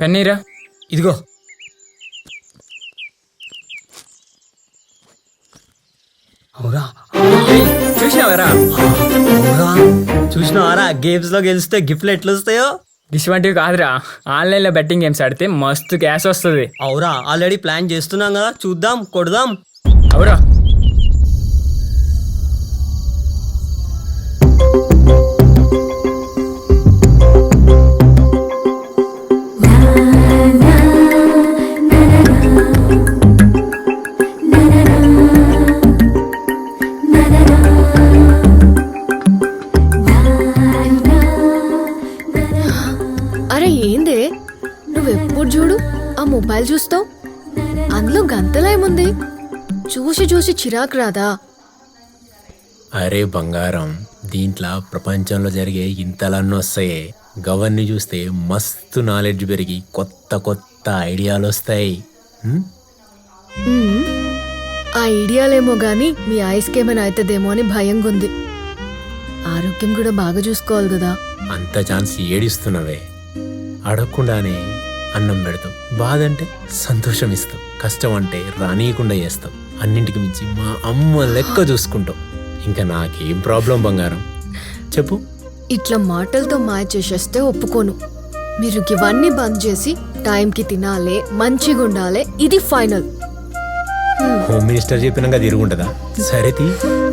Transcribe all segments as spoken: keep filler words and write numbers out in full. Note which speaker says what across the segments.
Speaker 1: పెన్నీరా
Speaker 2: ఇదిగో. అవురా
Speaker 1: చూసినావరా?
Speaker 2: అవురా చూసినావారా? గేమ్స్ లో గెలిస్తే గిఫ్ట్లు ఎట్లా వస్తాయో.
Speaker 1: ఇటువంటివి కాదురా, ఆన్లైన్ లో బెట్టింగ్ గేమ్స్ ఆడితే మస్తు క్యాష్ వస్తుంది.
Speaker 2: అవురా ఆల్రెడీ ప్లాన్ చేస్తున్నాం కదా, చూద్దాం, కొడదాం.
Speaker 1: అవురా
Speaker 3: అరే ఏందే నువ్వెప్పుడు చూడు ఆ మొబైల్ చూస్తావు, అందులో గంతలేముంది? చూసి చూసి చిరాకు రాదా?
Speaker 4: అరే బంగారం, దీంట్లో ప్రపంచంలో జరిగే ఇంతలన్నీ వస్తాయి. గవర్ని చూస్తే మస్తు నాలెడ్జ్ పెరిగి కొత్త కొత్త ఐడియాలు వస్తాయి. హ్మ్?
Speaker 3: ఉమ్, ఆ ఐడియాలేమో గాని మీ ఐస్కి ఏమైనా అవుతుందేమో అని భయంగా ఉంది. ఆరోగ్యం కూడా బాగా చూసుకోవాలి కదా.
Speaker 4: అంత ఛాన్స్ ఏడిస్తున్నవే. అడగకుండానే అన్నం పెడతావు, బాధ అంటే సంతోషం ఇస్తావు, కష్టం అంటే రానీయకుండా చేస్తావు, అన్నింటికి మించి మా అమ్మ లెక్క చూసుకుంటావు. ఇంకా నాకేం ప్రాబ్లం బంగారం, చెప్పు.
Speaker 3: ఇట్లా మాటలతో మాయ చేసేస్తే ఒప్పుకోను. మీరు ఇవన్నీ బంద్ చేసి టైంకి తినాలే, మంచిగా ఉండాలి, ఇది ఫైనల్.
Speaker 4: హోమ్ మినిస్టర్ చెప్పినాక తిరుగుంటుందా? సరే తీ.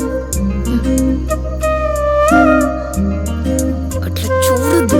Speaker 3: అట్లా చూడద్దు.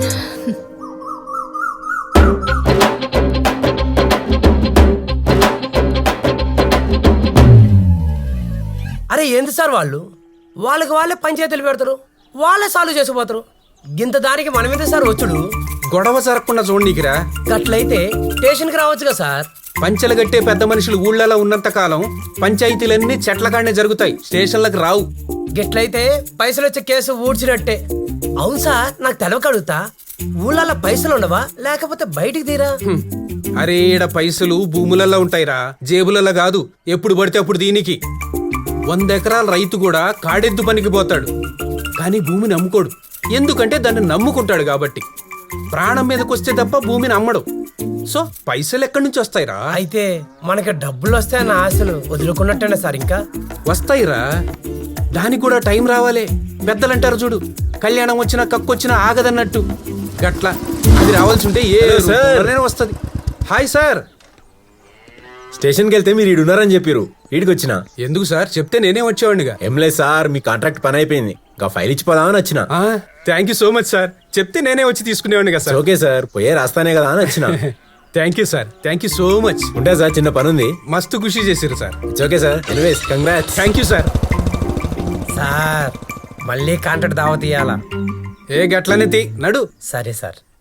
Speaker 5: అరే ఏంది సార్ వాళ్ళు వాళ్ళకి వాళ్ళే పంచాయతీలు పెడతారు, వాళ్ళే సాల్వ్ చేసిపోతారు. గింత దానికి మనమేంటి సార్ వచ్చుడు?
Speaker 6: గొడవ జరగకుండా చూడనీకిరా.
Speaker 5: గట్లయితే స్టేషన్కి రావచ్చుగా సార్.
Speaker 6: పంచెలు గట్టే పెద్ద మనుషులు ఊళ్ళలో ఉన్నంత కాలం పంచాయతీలన్నీ చెట్ల కాడనే జరుగుతాయి, స్టేషన్లకు రావు.
Speaker 5: గట్లయితే పైసలు వచ్చే కేసు ఊడ్చినట్టే. అవును సార్, నాకు తెలవక అడుగుతా, ఊళ్ళల్లో పైసలు ఉండవా లేకపోతే బయటికి తీరా?
Speaker 6: హ్మ్. అరే ఈడ పైసలు భూములలో ఉంటాయిరా, జేబులలో కాదు. ఎప్పుడు పడితే అప్పుడు దీనికి. వంద ఎకరాల రైతు కూడా కాడెద్దు పనికి పోతాడు, కానీ భూమిని అమ్ముకోడు. ఎందుకంటే దాన్ని నమ్ముకుంటాడు కాబట్టి. ప్రాణం మీదకొస్తే తప్ప భూమిని అమ్మడు. సో పైసలు ఎక్కడి నుంచి వస్తాయిరా?
Speaker 5: అయితే మనకి డబ్బులు వస్తాయన్న ఆశలు వదులుకున్నట్టేనా సార్? ఇంకా
Speaker 6: వస్తాయిరా, దానికి కూడా టైం రావాలే. పెద్దలంటారు చూడు, కళ్యాణం వచ్చినా కక్కొచ్చినా ఆగదన్నట్టు. గట్ల అది రావాల్సి ఉంటే ఏ సార్ వస్తుంది. Hi sir.
Speaker 4: స్టేషన్కి వెళ్తే మీరు ఈడున్నారని చెప్పారు, ఈడికి వచ్చిన.
Speaker 6: ఎందుకు సార్? చెప్తే నేనే వచ్చేవాడిగా.
Speaker 4: ఏం లేదు సార్, మీ కాంట్రాక్ట్ పని అయిపోయింది, ఇంకా ఫైల్ ఇచ్చిపోదామని వచ్చిన.
Speaker 6: Thank you so much sir. చెప్తే నేనే వచ్చి తీసుకునేవాడిగా సార్.
Speaker 4: ఓకే సార్, పోయే రాస్తానే కదా అని వచ్చిన.
Speaker 6: Thank you sir, thank you so much.
Speaker 4: ఉంటా సార్, చిన్న పని ఉంది.
Speaker 6: మస్తు ఖుషి చేసిరు sir.
Speaker 4: It's okay sir, anyways congrats.
Speaker 6: Thank you sir.
Speaker 5: Sir మళ్ళీ కాంట్రాక్ట్ దావత్ ఇయ్యాలా?
Speaker 6: ఏ గట్లనే తీ నడు.
Speaker 5: సరే సార్.